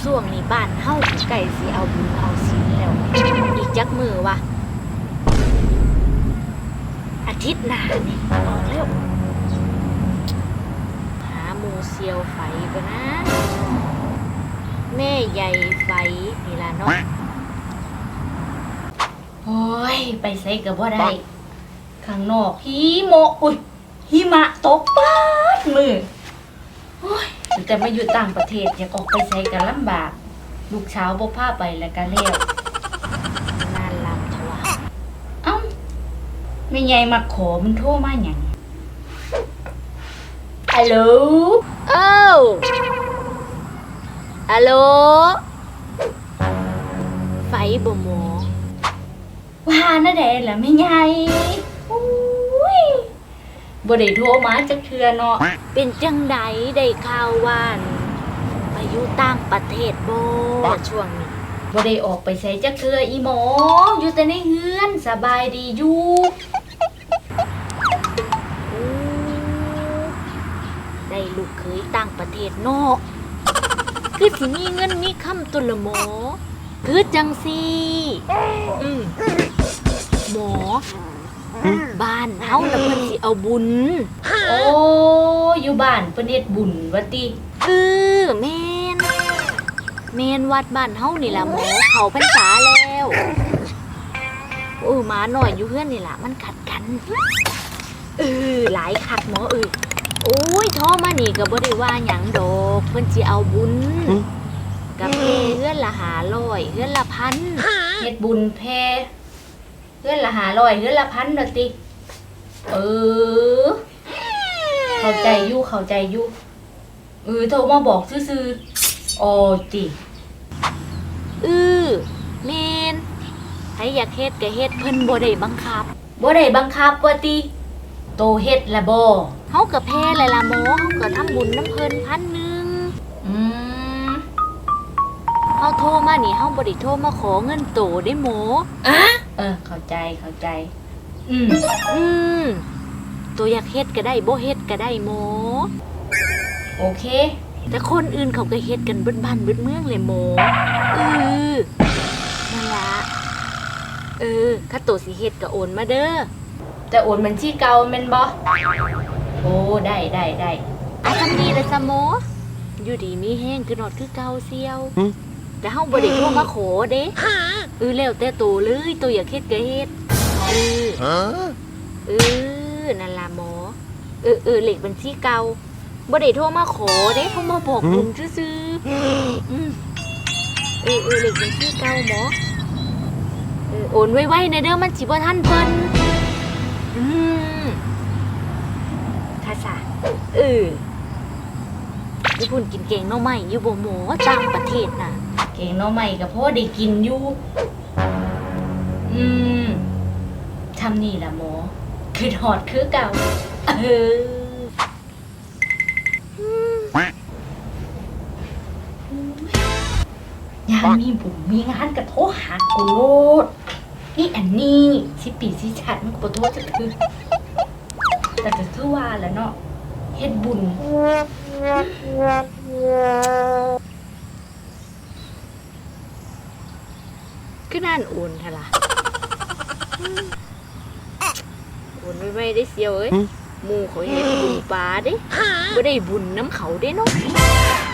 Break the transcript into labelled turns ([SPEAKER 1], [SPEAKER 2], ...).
[SPEAKER 1] ช่วงนี้บ้านเฮาไก่สิเอาบุญเอาศีลแล้วอีกจักมือวะอาทิตย์หน้านี่ออกแล้วหาหมูเซียวไฟก่อนนะแม่ใหญ่ไฟนี่ล่ะเนาะโอ้ยไปไสก็บ่ได้ข้างนอกหิมะตกป๊าดมือโอ้ยแต่มาอยู่ต่างประเทศอยากออกไปไสก็ลำบากลูกเช้าบ่พาไปแล้วก็แล้วนานลำทว่าเอ้าแม่ใหญ่มาขอมันโทรมาหยังฮัลโหลฮัลโหลไฟบ่หมอว่าน่ะแดล่ะแม่ใหญ่อุ้ยบ่ได้โทรมาจักเทื่อเนาะเป็นจังใดได้ข่าวว่าไปอยู่ต่างประเทศบ่ช่วงนี้บ่ได้ออกไปไสจักเทื่ออีหมออยู่แต่ในเฮือนสบายดีอยู่ได้ลูกเคยต่างประเทศเนาะคือสิมีเงินมีคำตุละหมอคือจังซี่หมอบ้านเฮาน่ะเพิ่นสิเอาบุญโอ้อยู่บ้านเพิ่นเฮ็ดบุญว่าติแม่นวัดบ้านเฮานี่ล่ะหมอเขาพรรษาแล้วหมาหน่อยอยู่เฮือนนี่ล่ะมันกัดกันหลายคักหมอโอ้ยโทรมานี่ก็บ่ได้ว่าหยังดอกเพิ่นสิเอาบุญกับเพเฮือนละ500เฮือนละ1,000เฮ็ดบุญเพเฮือนละ500เฮือนละ1,000ดอกติเข้าใจอยู่โทรมาบอกซื่อๆโอ้ติแม่นใครอยากเฮ็ดก็เฮ็ดเพิ่นบ่ได้บังคับว่าติโตเฮ็ดละบ่เฮาก็แพ้เลยล่ะหมอเฮาก็ทำบุญน้ำเพิ่น1,000เฮาโทรมานี่เฮาบ่ได้โทรมาขอเงินโตได้หมอเข้าใจตัวอยากเฮ็ดก็ได้บ่เฮ็ดก็ได้หมอโอเคแต่คนอื่นเขาก็เฮ็ดกันเบิดบ้านเบิดเมืองเลยหมอนั่นล่ะถ้าโตสิเฮ็ดก็โอนมาเด้อแต่โอนบัญชีเก่าแม่นบ่โอ้ได้ทำดีเลยซะหมออยู่ดีมีแห้งคือนอดคือเก่าเซียวแต่เฮาบ่ได้โทรมาขอเด้แล้วแต่โตเลยโตอยากเฮ็ดก็เฮ็ดนั่นล่ะหมอเลขบัญชีเก่าบ่ได้โทรมาขอเด้เขามาบอกลุงซื่อเลขบัญชีเก่าหมอโอนไวๆนะเด้อมันสิบ่ทันเพิ่นค่ะซะญี่ปุ่นกินเก่งหน่อไม้อยู่บ่หมอต่างประเทศน่ะเก่งหน่อไม้ก็พอได้กินอยู่ทำนี่ล่ะหมอคือถอดคือเก่ายามมีบุญมีงานก็โทรหากูโลดนี่อันนี้สิปีสิชัดมันก็บ่โทรจักคือแต่ก็คือว่าแหละเนาะเฮ็ดบุญคือนั่นโอนเถอะล่ะโอนไว้ได้เสียวหมู่เขาเฮ็ดบุญปลาเด้บ่ได้บุญน้ำเขาเด้เนาะ